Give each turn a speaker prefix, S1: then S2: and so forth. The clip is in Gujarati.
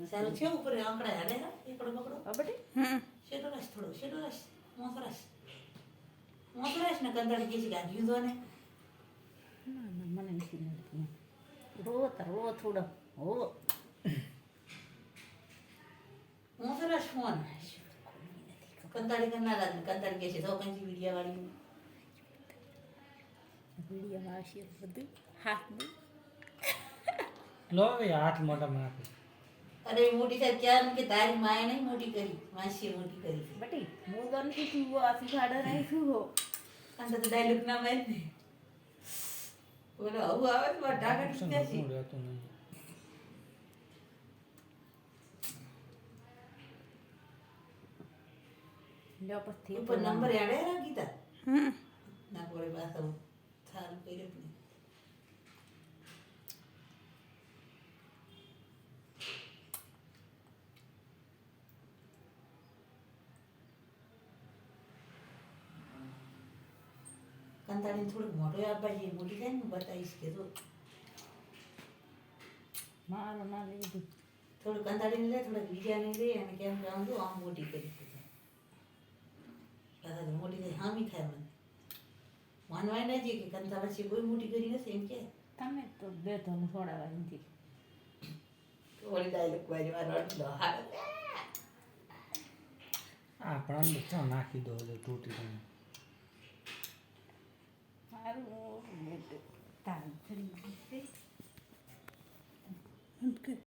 S1: સારું છે ઉપર આંકડા હાડે ના એકડો પકડો
S2: અબડે
S1: શેડો રસ મોસરસ ને કંદળ કે છે ગાડ્યું તો ને
S2: ના ના મને નથી નડતું રો થોડો હો
S1: મોસરસ ફોન કંતાળી કરના લાગે કંતાળી કે છે તો કંજી વિડિયા વાળી
S2: વિડીયોમાં આવશે બધું હાથ દે
S3: લો હવે હાથ મોઢામાં નાખો.
S1: અરે મોટી થાય ક્યાં કે તારી માએ નહીં મોટી કરી માસીએ મોટી કરી છે
S2: બટી હું તો નથી તું આસી ખાડા નહીં છું હો
S1: અંત તો ડાયલોગ ના મેં ને બોલો આવું આવે તો ઢાકા
S3: ઓપ્શન
S1: ટીકા છે
S3: શું રહેતું નહીં.
S2: લ્યો પછી
S1: ઉપર નંબર એડે રાખીતા ના પડે પાછા સારું કર્યું ને કંતાળીને થોડુંક મોઢું આપવા જઈએ મોટી થાય ને બતાવીશ કે તો
S2: મારું ના લીધું
S1: થોડું કંતાળીને લે થોડાક બીજાને લે અને કેમ જાઉં તો આમ મોટી કરી દીધી પાછા તો મોટી થાય હામી થાય મને માનવાય ના જઈએ કે કંતાળ છે કોઈ મોટી કરી નથી એમ કે
S2: તમે તો બે તો છોડાવા નથી
S1: ઓલી ડાયલોગ વાળી મારો અડધો હારો
S3: આપણા બધા નાખી દો એટલે તૂટી જાય.
S2: મારું તારું ફરી